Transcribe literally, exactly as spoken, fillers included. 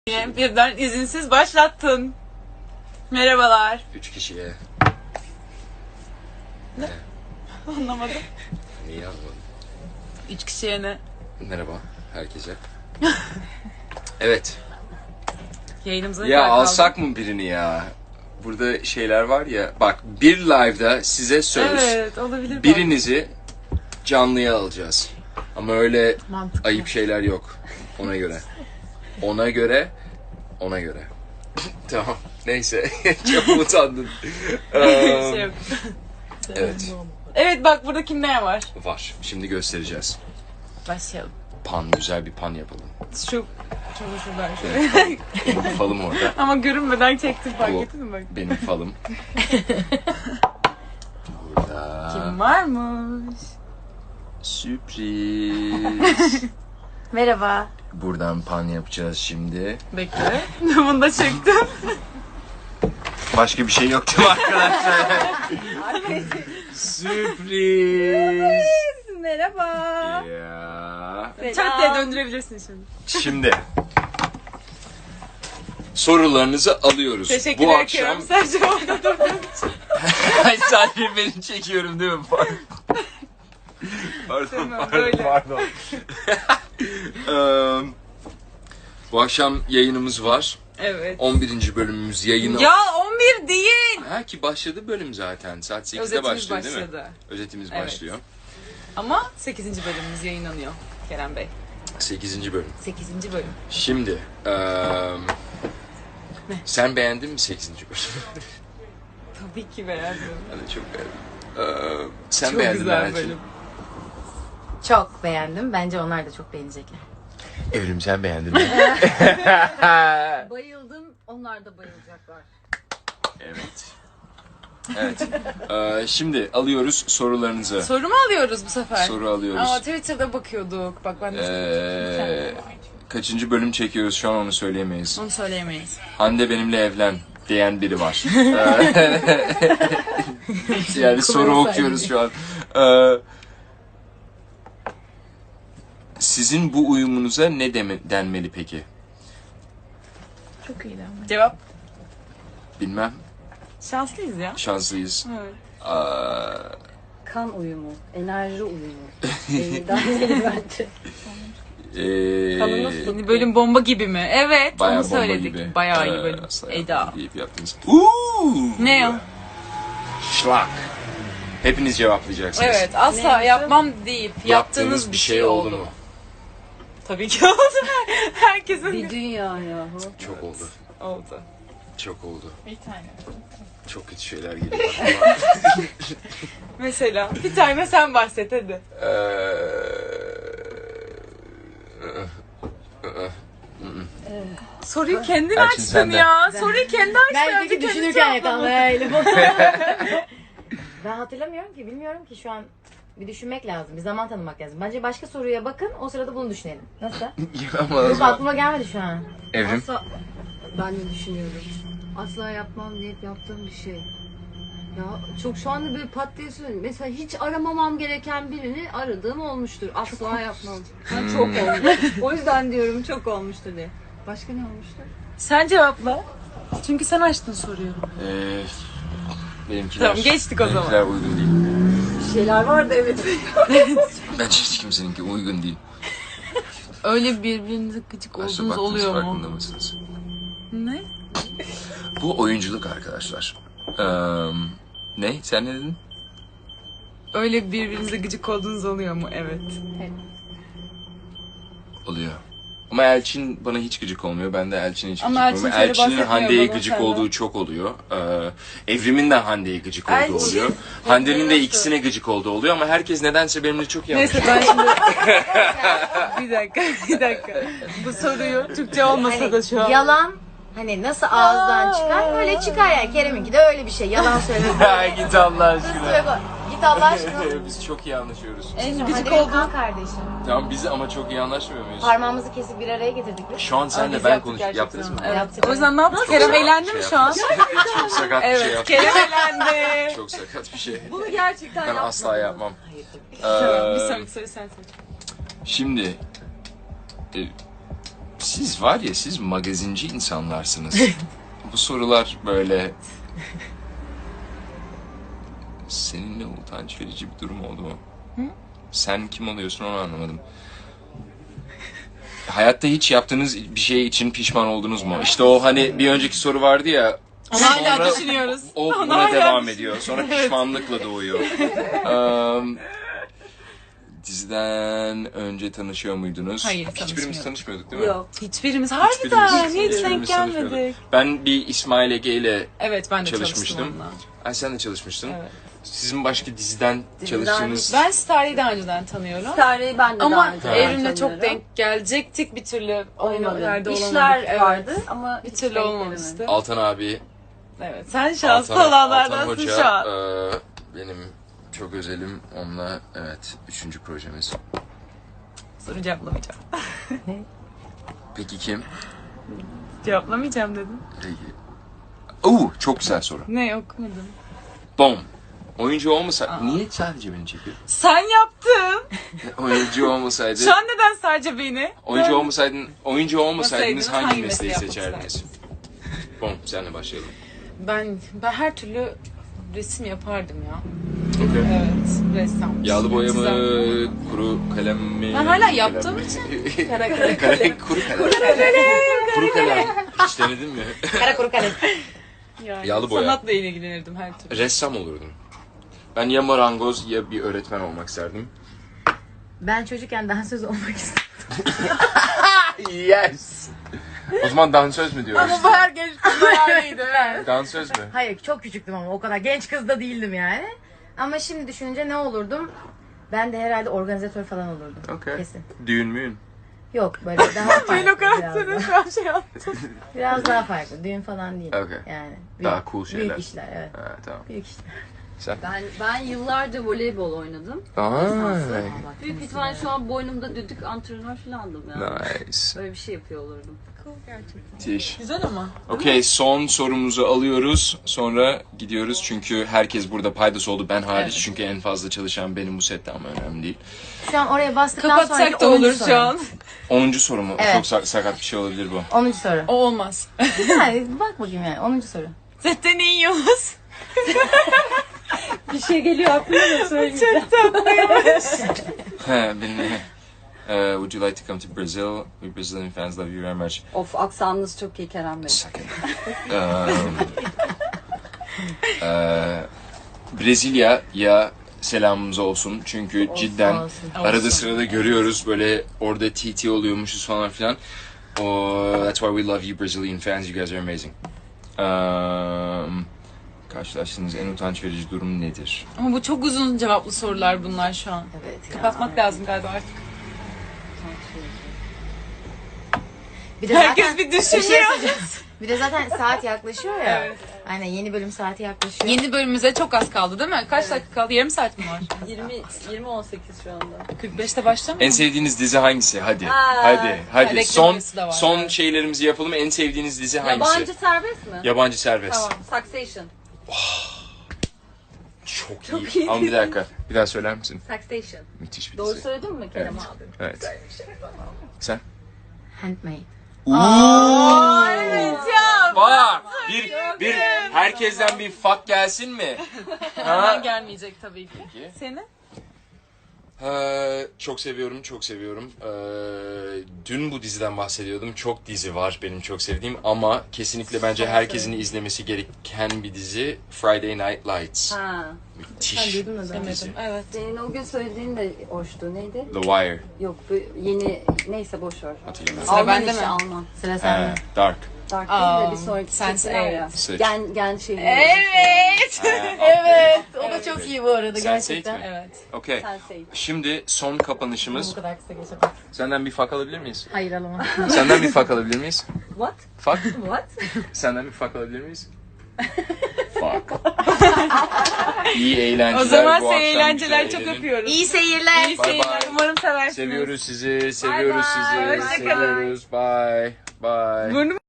Birden izinsiz başlattın. Merhabalar. Üç kişiye. Ne? Anlamadım. Niye anlamadım? Üç kişiye ne? Merhaba herkese. Evet. Yayınımıza Ya alsak mı birini ya? Burada şeyler var ya. Bak bir live'da size söz. Evet, olabilir. Birinizi canlıya alacağız. Ama öyle Mantıklı. ayıp şeyler yok. Ona göre. Ona göre. Ona göre. Tamam. Neyse. Çok utandın. Bir şey yok. Evet. Evet, bak burada kimler var? Var. Şimdi göstereceğiz. Başlayalım. Pan. Güzel bir pan yapalım. Şu şuradan şöyle. Benim falım orada. Ama görünmeden çektim, fark Bu ettin mi bak? benim falım. Burada. Kim varmış? Sürpriz. Merhaba. Buradan pan yapacağız şimdi. Bekle. Bunu da çektim. Başka bir şey yok değil mi arkadaşlar? Sürpriz. Merhaba. Ya. Çat diye döndürebilirsin şimdi. Şimdi. Sorularınızı alıyoruz. Teşekkür Bu ederim. akşam... Sadece orada durduğum için. Ay sadece beni çekiyorum değil mi? Pardon. Pardon, Tamam, pardon, böyle. pardon. Eee, bu akşam yayınımız var. Evet. on birinci bölümümüz yayını... Ya on bir değil. Ha ki başladı bölüm zaten. Saat sekizde Özetimiz başlıyor değil mi? başladı. Özetimiz Evet. başlıyor. Ama sekizinci bölümümüz yayınlanıyor Kerem Bey. sekizinci bölüm. sekizinci bölüm. Şimdi... eee, sen beğendin mi sekizinci bölümü? Tabii ki beğendim. Ben de çok beğendim. Eee, sen Çok beğendin güzel Meral'cim. bölüm. Çok beğendim. Bence onlar da çok beğenecekler. Evrim sen beğendin mi? Bayıldım. Onlar da bayılacaklar. Evet. Evet. Eee, şimdi alıyoruz sorularınızı. Soru mu alıyoruz bu sefer? Soru alıyoruz. Aa, Twitter'da bakıyorduk. Bak ben de Eee, kaçıncı bölüm çekiyoruz şu an onu söyleyemeyiz. onu söyleyemeyiz. Hande benimle evlen diyen biri var. Yani soru okuyoruz şu an. Eee, sizin bu uyumunuza ne deme, denmeli peki? Çok iyiydi ama. Cevap. Bilmem. Şanslıyız ya. Şanslıyız. Evet. Eee, Kan uyumu, enerji uyumu. Ee, daha iyi bence. eee, Kanı nasıl? Yeni bölüm bomba gibi mi? Evet, bayağı onu bomba söyledik. gibi. Bayağı Eee, iyi bölüm. asla Eda. yapmadım deyip yaptınız. Uuu. Ne o? Şlak. Hepiniz cevaplayacaksınız. Evet, asla Neyse. yapmam deyip yaptığınız bir şey oldu mu? Tabii ki oldu. Herkesin Bir dünya yahu. Çok oldu. oldu. Çok oldu. Bir tane. Çok kötü şeyler geliyor aklıma. Mesela bir tane sen bahset hadi. Eee, Soruyu kendin Elçin açtın sende. ya. Soruyu kendi açtın. Belki Bir de kendi düşünürken cevaplamadın. yakalayalım. Ben hatırlamıyorum ki, bilmiyorum ki şu an. Bir düşünmek lazım, bir zaman tanımak lazım. Bence başka soruya bakın, o sırada bunu düşünelim. Nasıl? Ama o Yok, zaman- aklıma gelmedi şu an. Evrim. Asla, ben de düşünüyorum. Asla yapmam deyip yaptığım bir şey. Ya çok şu anda böyle pat diye söyleyeyim. Mesela hiç aramamam gereken birini aradığım olmuştur. Asla yapmam. Ben çok olmuş. O yüzden diyorum çok olmuştur diye. Başka ne olmuştur? Sen cevapla. Çünkü sen açtın soruyu. Eee, benimkiler, Tamam, geçtik o zaman. benimkiler uygun değil. Bir şeyler vardı evet. Bence hiç kimseninki uygun değil. Öyle birbirinize gıcık Nasıl olduğunuz baktınız, oluyor farkında mu? mısınız? Ne? Bu oyunculuk arkadaşlar. Eee, ne? Sen ne dedin? Öyle birbirinize gıcık olduğunuz oluyor mu? Evet. Oluyor. Ama Elçin bana hiç gıcık olmuyor. Ben de Elçin'e hiç Ama gıcık Elçin olmuyor. şöyle Elçin'in bahsetmiyor Hande'ye bana gıcık senden. olduğu çok oluyor. Ee, Evrim'in de Hande'ye gıcık olduğu Elçin- oluyor. Hande'nin de ikisine gıcık olduğu oluyor ama herkes nedense benimle çok iyi Neyse anlaşıyor. ben şimdi... bir dakika, bir dakika. Bu soruyu Türkçe olmasa da şu an... Yalan hani nasıl ağızdan çıkar öyle çıkar yani. Kerem'inki de öyle bir şey. Yalan söylemek. Ha, git Allah aşkına. Git Allah aşkına. Biz çok iyi anlaşıyoruz. En Hadi gıcık benim olduğun... kan kardeşim. Tamam biz ama çok iyi anlaşmıyor muyuz? Parmağımızı kesip bir araya getirdik biz. Şu an senle Biz ben yaptık konuş. gerçekten. Yaptınız mı? Evet. Yaptık. O yüzden ne yaptık? Kerem eğlendi mi Şey şu an? yaptınız. Çok sakat bir şey Evet, yaptım. Kerem eğlendi. Çok sakat bir şey. Bunu gerçekten Ben asla yapmam. Tamam, bir Ee, sonraki soru sen seç. Şimdi e, Siz var ya, siz magazinci insanlarsınız. Bu sorular böyle... Seninle utanç verici bir durum oldu mu? Hı? Sen kim oluyorsun onu anlamadım. Hayatta hiç yaptığınız bir şey için pişman oldunuz mu? İşte o hani bir önceki soru vardı ya. Onu hala düşünüyoruz. O Onu buna hala devam ediyor. Sonra pişmanlıkla doğuyor. um, diziden önce tanışıyor muydunuz? Hayır, Hiçbirimiz tanışmıyorduk. tanışmıyorduk değil mi? Yok. Hiçbirimiz harbiden hiç hiçbirimiz denk tanışmıyorduk. gelmedik. Ben bir İsmail Ege ile Evet ben de çalışmıştım. çalıştım onunla. Ay sen de çalışmıştın. Evet. Sizin başka diziden, Diziden çalıştığınız... Ben Starry'i daha önceden tanıyorum. Starry'i ben de daha Ama önce Evrim'le çok tanıyorum. denk gelecektik bir türlü. Aynı Olmadı. yerde İşler olamadık. Evet. vardı ama Bir hiç türlü denk olmamıştı. gelemedim. Altan abi, Evet sen şanslı Altan, Altan olanlardansın Hoca, şu an. e, benim çok özelim. Onunla, evet, üçüncü projemiz. Soru cevaplamayacağım. Peki kim? Cevaplamayacağım dedim. Peki. Oo, çok güzel soru. Ne okumadım. Bom. Oyuncu olmasaydı... Niye sadece beni çekiyor? Sen yaptın. Oyuncu olmasaydı... Şu an neden sadece beni? Oyuncu olmasaydın, oyuncu olmasaydınız Olmasaydınız hangi, hangi mesleği mesleği seçerdiniz? Bom, senle başlayalım. Ben ben her türlü resim yapardım ya. Okay. Evet, ressam. Yağlı boya mı, Çizen. kuru kalem mi? Ben hala Kalem yaptığım mi? için. Kara kalem. Kuru kalem. Kuru kalem. Hiç denedin mi? Kara kuru kalem. Yani Yağlı boya. Sanatla ilgilenirdim her türlü. Ressam olurdum. Ben ya marangoz ya bir öğretmen olmak isterdim. Ben çocukken dansöz olmak istedim. Yes. O zaman dansöz mü diyoruz? Ama bu her genç kızın hayaliydi. Evet. Dansöz mü? Hayır çok küçüktüm ama o kadar genç kız da değildim yani. Ama şimdi düşününce ne olurdum? Ben de herhalde organizatör falan olurdum. Okay. Kesin. Düğün müyün? Yok böyle daha farklı. Ben o biraz, karakteri daha, şu an şey yaptım. biraz daha farklı. Düğün falan değil. Okay. Yani. Daha cool şeyler. Büyük işler evet. Ha, tamam. Büyük işler. Sen? Ben ben yıllarca voleybol oynadım. Aa, Büyük ihtimalle şu an boynumda düdük antrenör falandım yani. nice. Böyle bir şey yapıyor olurdum. Tiş. Güzel ama. Okey, son sorumuzu alıyoruz. Sonra gidiyoruz çünkü herkes burada paydası oldu. Ben hariç Evet. çünkü en fazla çalışan benim bu sette ama önemli değil. Şu an oraya bastıktan sonraki Kapatsak da onuncu olur soru. şu an. onuncu soru mu? Evet. Çok sak- sakat bir şey olabilir bu. onuncu soru. O olmaz. Yani bak bakayım yani onuncu soru. Zaten iyi yiyoruz. Bir şey geliyor aklıma da söyleyeceğim. He, benim Uh, would you like to come to Brazil? We Brazilian fans love you very much. Of aksanınız çok iyi Kerem Bey. Sakın. um, uh, Brezilya'ya selamımız olsun. Çünkü cidden olsun. arada Olsun. sırada görüyoruz böyle orada T T oluyormuşuz falan filan. Oh, that's why we love you Brazilian fans. You guys are amazing. Um, karşılaştığınız en utanç verici durum nedir? Ama bu çok uzun cevaplı sorular bunlar şu an. Evet. ya. Kapatmak lazım galiba artık. Bir de Herkes zaten, bir bir şey düşünüyor. söyleyeceğim. Bir de zaten saat yaklaşıyor ya. Evet. Aynen yeni bölüm saati yaklaşıyor. Yeni bölümümüze çok az kaldı değil mi? Kaç dakika kaldı? Yarım saat mi var? yirmi yirmi on sekiz şu anda. kırk beşte başlamıyor En mu? sevdiğiniz dizi hangisi? Hadi. Aa, hadi. Hadi. reklam Son arası da var, son evet. şeylerimizi yapalım. En sevdiğiniz dizi hangisi? Yabancı serbest mi? Yabancı serbest. Tamam. Succession. Çok, Çok iyi. iyi. Ama bir dakika. Bir daha söyler misin? Succession. Müthiş bir Doğru dizi. söyledin mi Kerem Evet. abi? Evet. Sen? Handmade. Fuck! Bir, bir, herkesten bir fuck gelsin mi? Hemen gelmeyecek tabii ki. Peki. Seni? Ee, çok seviyorum, çok seviyorum. Ee, dün bu diziden bahsediyordum. Çok dizi var benim çok sevdiğim ama kesinlikle bence herkesin izlemesi gereken bir dizi Friday Night Lights. Ha. Müthiş duydun mu zaten? bir dizi. Demedim. Evet. Senin o gün söylediğin de hoştu. Neydi? The Wire. Yok bu yeni neyse boş ver. Hatırlamıyorum. Sıra Alman bende işi mi? Alman. Sıra Ee, sende. Dark. Dark Aa, değil de bir sonraki sense çekti var ya. eight. Sıç. Gen, gen şey. Evet. Ee, Evet. O da Evet. çok iyi bu arada Sense eight gerçekten. mi? Evet. Okey. Sense eight. Şimdi son kapanışımız. Bu kadar kısa geçemez. Senden bir fuck alabilir miyiz? Hayır alamam. Senden bir fuck alabilir miyiz? What? Fuck? What? Senden bir fuck alabilir miyiz? Fuck. İyi eğlenceler. O zaman bu seni akşam eğlenceler güzel çok eğlenin. öpüyoruz. İyi seyirler. İyi Bye seyirler. bye. Umarım seversiniz. Seviyoruz sizi, seviyoruz bye, sizi, hoşça kalın. seviyoruz. Bye. Bye. Burnum